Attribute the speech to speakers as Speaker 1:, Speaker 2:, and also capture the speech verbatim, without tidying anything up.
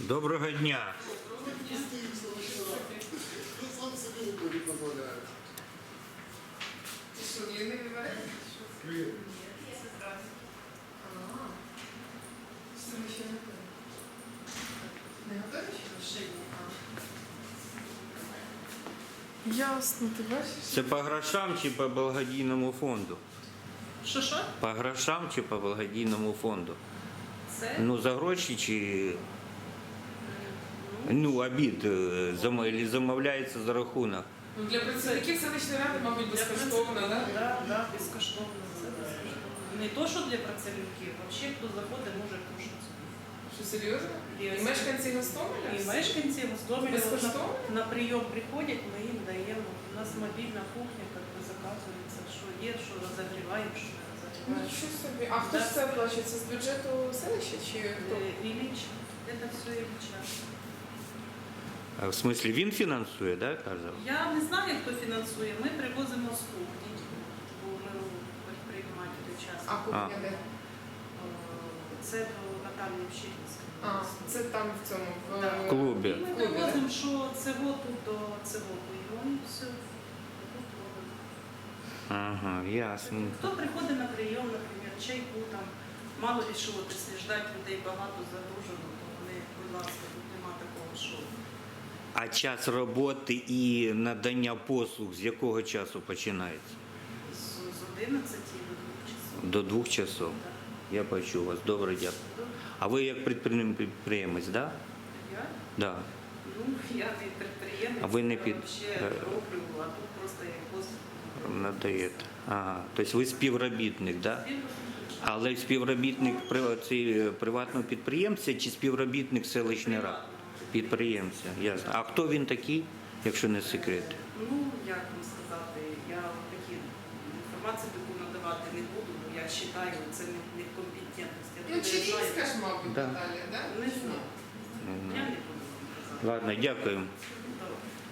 Speaker 1: Доброго дня.
Speaker 2: Сам собі не дозволяє.
Speaker 3: Ти що, не вибираєш?
Speaker 2: Привіт.
Speaker 3: Що ми ще не готові? Не готові ще? Ще ні. Ясно, ти бачиш?
Speaker 1: Це по грошам чи по благодійному фонду?
Speaker 4: Що що?
Speaker 1: По грошам чи по благодійному фонду?
Speaker 4: Це
Speaker 1: Ну, за гроші чи ну, обід е, зам- или замовляється за рахунок?
Speaker 3: Ну, для працівників селищної ради, мабуть, безкоштовно, так? Да?
Speaker 4: да, да, безкоштовно. Це безкоштовно. Не то, що для працівників, взагалі хто заходить, може кушати.
Speaker 3: Що, серйозно?
Speaker 4: Є.
Speaker 3: І мешканці Гостомеля?
Speaker 4: І мешканці Гостомеля
Speaker 3: Безкоштовно?
Speaker 4: на, на прийом приходять, ми їм даємо. У нас мобільна кухня, як би заказується, що є, що розогріваємо, що не
Speaker 3: Ну,
Speaker 4: розогріваємо.
Speaker 3: що собі. А хто
Speaker 4: Да.
Speaker 3: ж це оплачує? Це з бюджету селища чи хто?
Speaker 4: Е, Ілліч, це все Ілліча.
Speaker 1: А, в смислі, він фінансує, да, казав?
Speaker 4: Я не знаю, хто фінансує. Ми привозимо з кухні, бо ми предпринимателі часто.
Speaker 3: А кухня де?
Speaker 4: Це до Наталії Вщинської.
Speaker 3: А, це там в цьому, в,
Speaker 4: Да.
Speaker 1: В клубі.
Speaker 4: І ми
Speaker 3: Клубі,
Speaker 4: привозимо, що цього тут до цього прийому, і все. Тут робимо.
Speaker 1: Ага, ясно.
Speaker 4: Хто приходить на прийом, наприклад, чайку там, мало ли що, якщо ждать людей багато загружено, то вони, будь ласка, тут нема такого, що.
Speaker 1: А час роботи і надання послуг з якого часу починається?
Speaker 4: З, з одинадцяти до двох часов.
Speaker 1: До двох часов.
Speaker 4: Так.
Speaker 1: Я почув вас. Добре, дякую.
Speaker 4: Добре.
Speaker 1: А ви як підприєм- підприємець, так? Да?
Speaker 4: Я?
Speaker 1: Да.
Speaker 4: Ну, я не підприємець,
Speaker 1: А ви не
Speaker 4: я
Speaker 1: під-
Speaker 4: ще
Speaker 1: е,
Speaker 4: роблю, а тут просто як послуг.
Speaker 1: Надаєте. Ага. Тобто ви співробітник, так? Да? Але співробітник при- ці, приватного підприємця чи співробітник селищної ради? Підприємця, ясно. А хто він такий, якщо не секрет?
Speaker 4: Ну, як вам сказати, я такі інформацію таку надавати не буду, бо я вважаю, це не, не в компетентності.
Speaker 3: Ну, Чирінська ж, мабуть,
Speaker 1: Да.
Speaker 3: Наталя, так?
Speaker 4: Не знаю. Я не буду вам казати.
Speaker 1: Ладно, дякую.
Speaker 4: Добре.